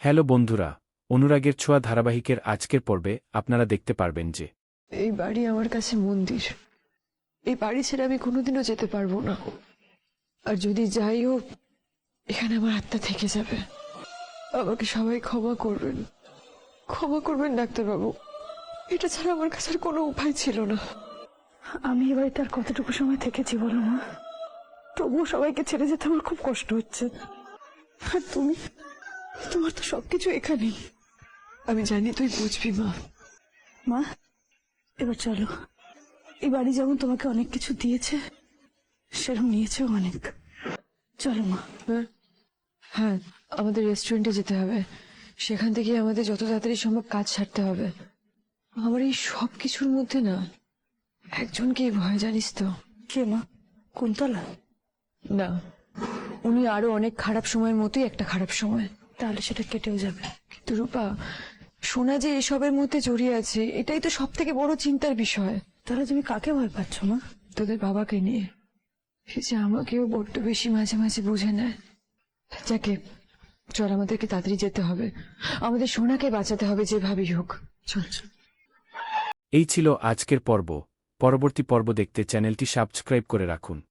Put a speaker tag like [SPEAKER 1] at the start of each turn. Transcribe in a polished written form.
[SPEAKER 1] Hello বন্ধুরা, অনুরাগের ছোঁয়া ধারাবাহিকের আজকের পর্বে আপনারা দেখতে পারবেন যে
[SPEAKER 2] এই বাড়ি আমার কাছে মন্দির। এই বাড়ি ছেড়ে আমি কোনোদিনও যেতে পারবো না। আর যদি যাইও, এখানে আমার আত্মা থেকে যাবে। আমাকে সবাই ক্ষমা করবেন, ক্ষমা করবেন ডাক্তারবাবু। এটা ছাড়া আমার কাছে আর কোনো উপায় ছিল না।
[SPEAKER 3] আমি এ বাড়িতে আর কতটুকু সময় থেকেছি বলো মা? তবুও সবাইকে ছেড়ে যেতে আমার খুব কষ্ট হচ্ছে। আর তুমি, তোমার তো সবকিছু এখানেই।
[SPEAKER 2] আমি জানি তুই বুঝবি মা।
[SPEAKER 3] মা, এবার চলো। এই বাড়ি যেমন তোমাকে অনেক কিছু দিয়েছে, সেরকম নিয়েছেও অনেক। চলো মা।
[SPEAKER 2] হ্যাঁ, আমাদের রেস্টুরেন্টে যেতে হবে। সেখান থেকে আমাদের যত তাড়াতাড়ি সম্ভব কাজ ছাড়তে হবে। আমার এই সব কিছুর মধ্যে না একজনকেই ভয়, জানিস তো?
[SPEAKER 3] কে মা? কুন্তলা?
[SPEAKER 2] না, উনি আরো অনেক খারাপ সময়ের মতোই একটা খারাপ সময়।
[SPEAKER 3] তাহলে সেটা কেটেও যাবে।
[SPEAKER 2] কিন্তু রূপা, সোনা যে এসবের মধ্যে জড়িয়ে আছে, এটাই তো সব থেকে বড় চিন্তার বিষয়।
[SPEAKER 3] তাহলে তুমি কাকে ভয় পাচ্ছ মা?
[SPEAKER 2] তোদের বাবাকে নিয়ে। সে যে আমাকেও বড্ড বেশি মাঝে মাঝে বুঝে নেয়। যাকে, চল আমাদেরকে তাড়াতাড়ি যেতে হবে। আমাদের সোনাকে বাঁচাতে হবে যেভাবেই হোক। চল চল।
[SPEAKER 1] এই ছিল আজকের পর্ব। পরবর্তী পর্ব দেখতে চ্যানেলটি সাবস্ক্রাইব করে রাখুন।